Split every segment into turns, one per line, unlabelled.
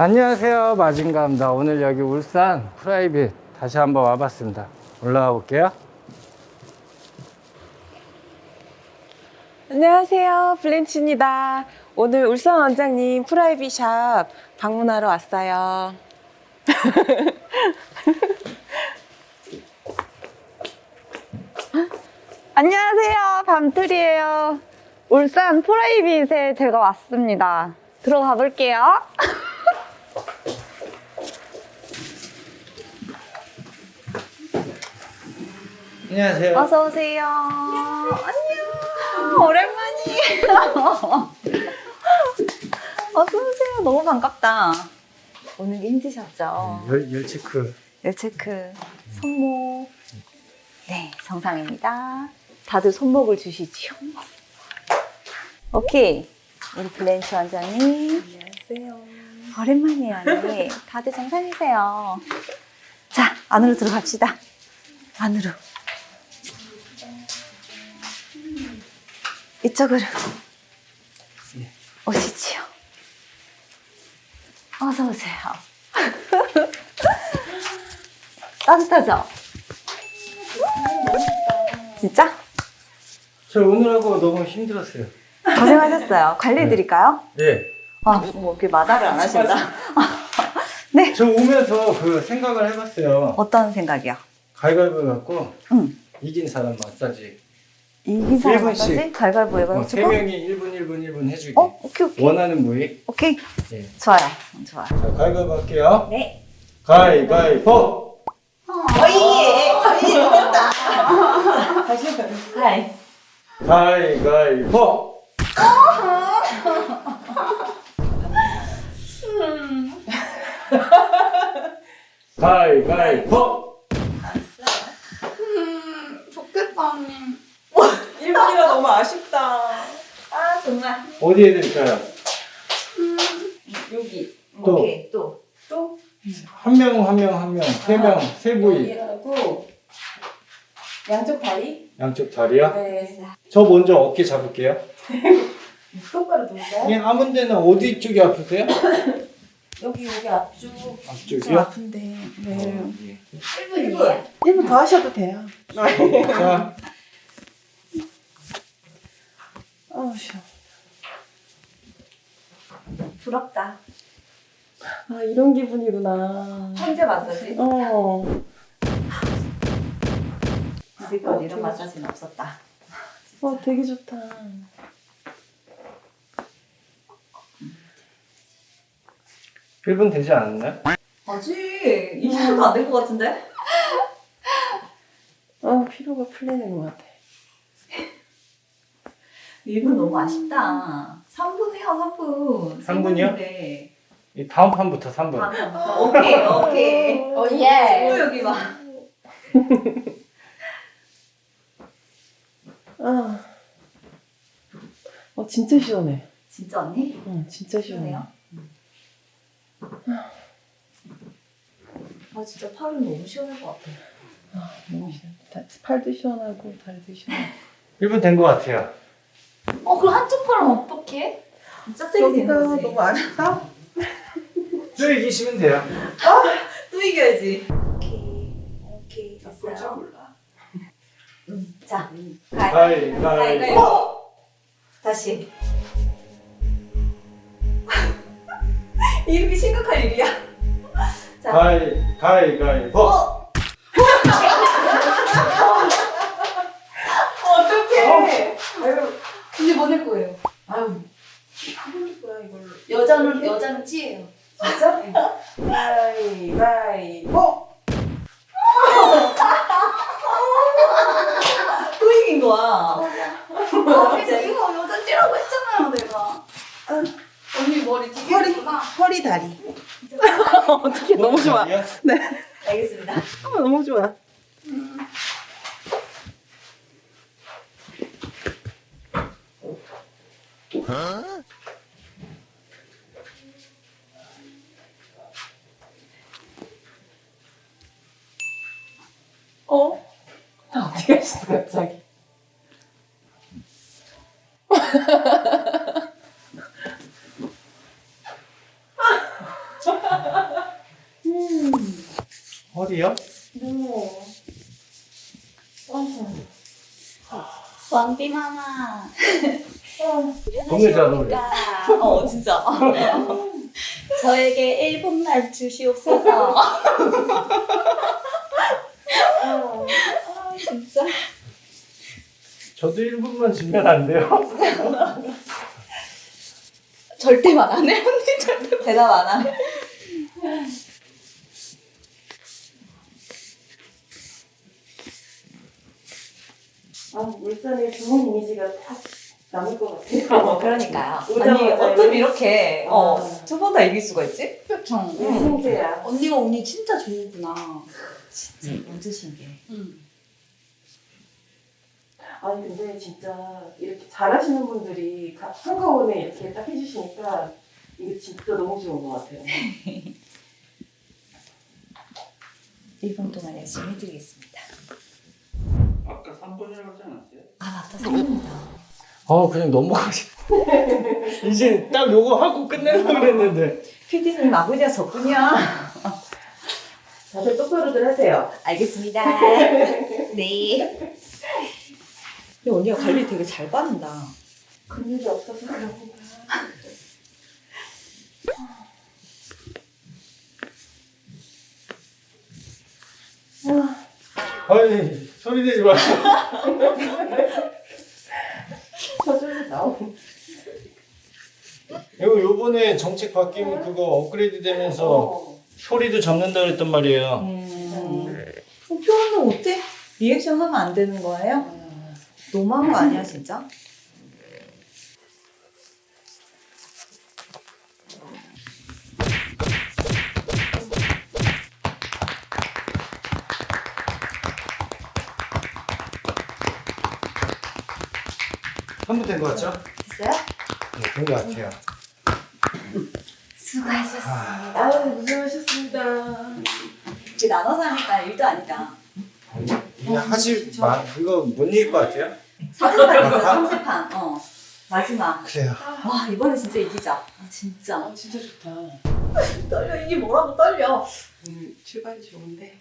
안녕하세요, 마진가입니다. 오늘 여기 울산 프라이빗 다시 한번 와봤습니다. 올라가 볼게요.
안녕하세요, 블렌치입니다. 오늘 울산 원장님 프라이빗 샵 방문하러 왔어요.
안녕하세요. 밤틀이에요. 울산 프라이빗에 제가 왔습니다. 들어가 볼게요.
안녕하세요.
어서 오세요. 안녕. 오랜만이에요. 어서 오세요. 너무 반갑다. 오늘 힘드셨죠?
열체크.
열체크, 손목. 네, 정상입니다. 다들 손목을 주시죠. 오케이. 우리 블렌치 원장님.
안녕하세요.
오랜만이에요, 언니. 다들 정상이세요. 자, 안으로 들어갑시다. 안으로. 이쪽으로 오시지요. 어서 오세요. 따뜻하죠? 진짜?
저 오늘하고 너무 힘들었어요.
고생하셨어요. 관리해드릴까요?
네.
아, 뭐 이렇게 마다를 안 하신다. 네.
저 오면서 그 생각을 해봤어요.
어떤 생각이요?
가위바위보 갖고
응.
이긴 사람 마사지.
이긴 사람
1분씩.
마사지? 가위바위보 해가지고?
3명이 1분, 1분, 1분 해주기.
오케이, 오케이.
원하는 부위.
오케이.
네.
좋아요. 좋아요.
자, 가위바위보 할게요.
네.
가위바위보!
다시 해봐요.
하이.
가위바위보! 가위바위보!
좋겠다, 언니.
1분이라 너무 아쉽다.
아, 정말.
어디 해드릴까요?
여기.
또.
오케이, 또.
또
한 명, 한 명, 한 명. 세 명, 세 부위.
여기하고 양쪽 다리.
양쪽 다리요?
네.
저 먼저 어깨 잡을게요.
똑바로 놓을까요?
그냥 아무 데나 어디 쪽이 아프세요?
여기 앞쪽. 좀
앞쪽이요?
아픈데. 네.
예.
1분이에요.
1분 더 하셔도 돼요.
자,
아우 쉬워.
부럽다.
아 이런 기분이구나.
혼자 마사지?
어.
이제껏 이런 마사지는 없었다.
되게 좋다.
1분 되지 않았나요?
아직 20분도 안 된 것 같은데?
피로가 풀리는 것 같아.
1분 너무 아쉽다. 3분 해요, 3분.
3분이요?
네.
이 다음 판부터 3분.
오케이, 오케이.
예.
또 여기 봐.
진짜 시원해.
진짜 언니?
진짜 시원해.
시원해요? 진짜 팔은 너무 시원할 것 같아.
너무 시원해. 팔도 시원하고 다리도 시원하고.
1분 된 것 같아요.
그럼 한쪽 팔은 어떡해? 짝짝이 되는 거지.
너무 아쉽다.
쭉 이기시면 돼요.
또 이겨야지. 오케이, 됐어요. 자,
가위바위보!
다시. 이렇게 심각할 일이야. 자,
가위바위보!
어떡해. 이제 뭐 낼 거예요?
뭐야 이걸로.
여자는 찌예요.
진짜? 가위바위보.
또 이긴 거야. 이거 여자 찌라고 했잖아요, 내가. 언니 머리 두 개구나.
허리 다리. 어떻게 너무 좋아.
아니야?
알겠습니다.
너무 좋아. 나 어떻게 했어 갑자기?
마마.
동네 잘 어울려.
진짜. 저에게 1분만 주시옵소서. 진짜.
저도 1분만 주면 안 돼요?
절대 말 안 해, 언니. 절대 대답 안 해.
울산의 좋은 이미지가 딱 남을 것 같아요.
그러니까요.
오자마자
아니, 어쩜
여기-
이렇게
아.
두 번 다 이길 수가 있지? 그쵸.
형제야.
언니가 운이 진짜 좋구나. 진짜 완전 신기해.
아니 근데 진짜 이렇게 잘하시는 분들이 다 한꺼번에 이렇게 딱 해주시니까 이게 진짜 너무 좋은 것 같아요.
1분 동안 열심히 해드리겠습니다.
아까 3번이라고 하지 않았어요?
아, 맞다. 3분이다.
그냥 넘어가시. 이제 딱 요거 하고 끝내려고 그랬는데.
PD님 아버지야 저뿐이야.
다들 똑바로들 하세요.
알겠습니다. 네. 근데 언니가 관리 되게 잘 받는다.
근육이 없어서 그런가.
아이, 소리 내지 마.
저절로 나오고.
요번에 정책 바뀌면 그거 업그레이드 되면서 소리도 잡는다 그랬단 말이에요.
표현은 어때? 리액션 하면 안 되는 거예요? 너무한 거 아니야 진짜?
한 번 된 거 같죠?
됐어요?
네, 된 거 같아요.
수고하셨습니다.
아유 고생하셨습니다.
이게 나눠서 하니까 일도 아니다.
하지 마. 이거 못 이길 것 같아요?
3세판 있어 3세판. 마지막.
그래요.
와 이번에 진짜 이기자. 아 진짜.
아 진짜 좋다.
떨려. 이게 뭐라고 떨려.
오늘 출발이 좋은데.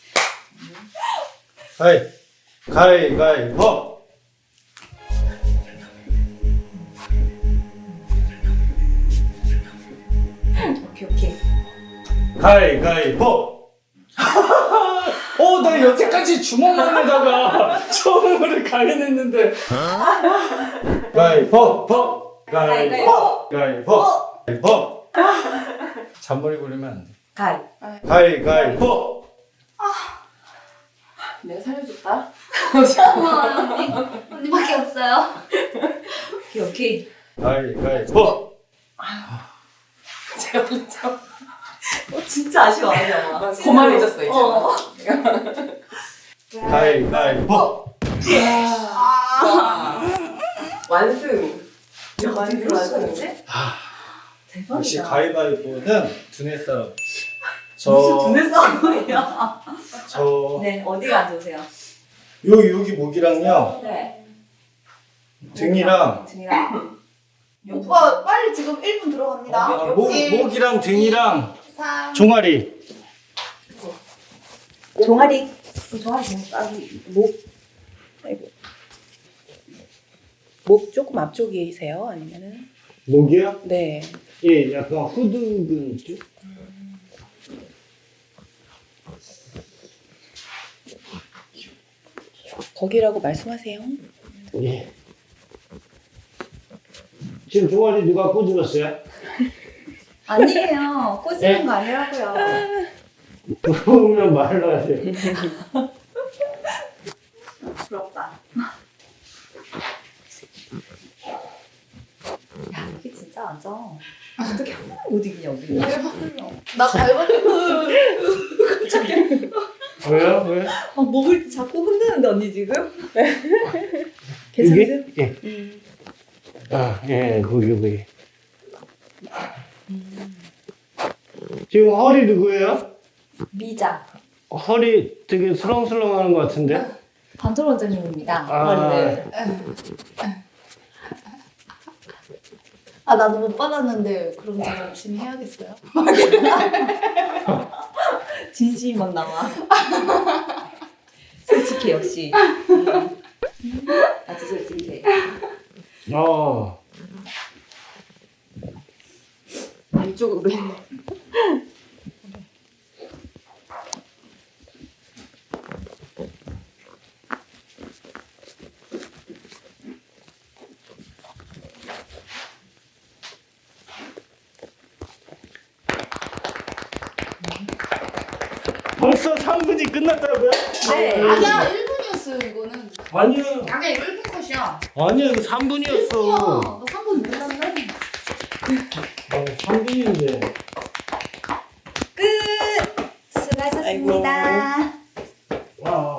가위바위보.
오케이.
가위바위보. 나 여태까지 주먹만에다가 처음으로 가위냈는데. 가위바위보. 가위바위보. 잔머리 굴리면 안 돼.
가위.
가위바위보.
내가 살려줬다.
언니밖에 없어요. 오케이.
가위바위보.
제가 먼저.
진짜 아쉬워 아니야.
고만해졌어 이제.
가위바위보.
완승.
완전
완승.
완승인데? 대박이다.
역시 가위바위보는 두뇌 싸움.
무슨 두뇌 싸움이야? 네, 어디가 안 좋으세요?
여기 목이랑요,
네.
등이랑,
등이랑. 오빠 빨리 지금 1분 들어갑니다.
목이랑 등이랑
3.
종아리.
종아리. 목. 아이고.
목 조금 앞쪽이세요? 아니면은?
목이요?
네.
예, 약간 후두근 쪽.
거기라고 말씀하세요.
예. 지금 종아리 누가 꼬집었어요?
아니에요. 꼬시는 거 아니라고요.
그러면 말을 하세요.
부럽다. 야, 이게 진짜 완전. 어떻게 한 번에 못 이기냐, 우리. 나 갈바리보.
왜요? 왜?
목을 자꾸 흔드는데, 언니 지금?
괜찮으세요? 예. 거기. 지금 허리 누구예요?
미자.
허리 되게 슬렁슬렁 하는 것 같은데?
반토 원장님입니다.
아.
나도 못 받았는데 그럼 제가 열심히 해야겠어요. 진심만 남아. 솔직히 역시. 받으실 텐데.
어.
이쪽으로 있네.
벌써 3분이 끝났다고요?
네. 아니야 1분이었어요 이거는.
아니요.
아니야 이거 1분 컷이야.
아니요, 이거 3분이었어.
너 3분 몰랐네.
3분인데.
끝. 수고하셨습니다.
와.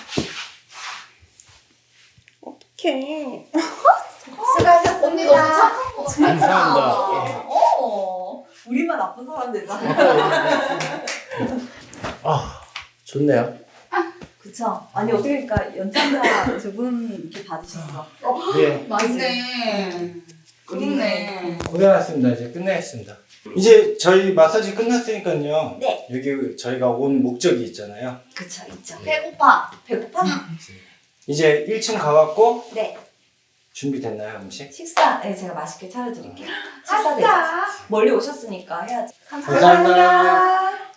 오케이.
수고하셨습니다. 언니 너무 착한 거 같아.
감사합니다.
우리만 나쁜 사람 되잖아.
아, 좋네요.
그쵸. 아니 어떻게 그러니까 연장자 두 분 이렇게 받으셨어.
예.
맞네. 그렇네.
고생하셨습니다. 이제 끝내겠습니다. 이제 저희 마사지 끝났으니까요.
네.
여기 저희가 온 목적이 있잖아요.
그쵸 있죠.
배고파.
배고파?
이제 1층 가갖고
네.
준비됐나요, 음식?
식사 네 제가 맛있게 차려드릴게요. 식사 되죠. 멀리 오셨으니까 해야지.
감사합니다.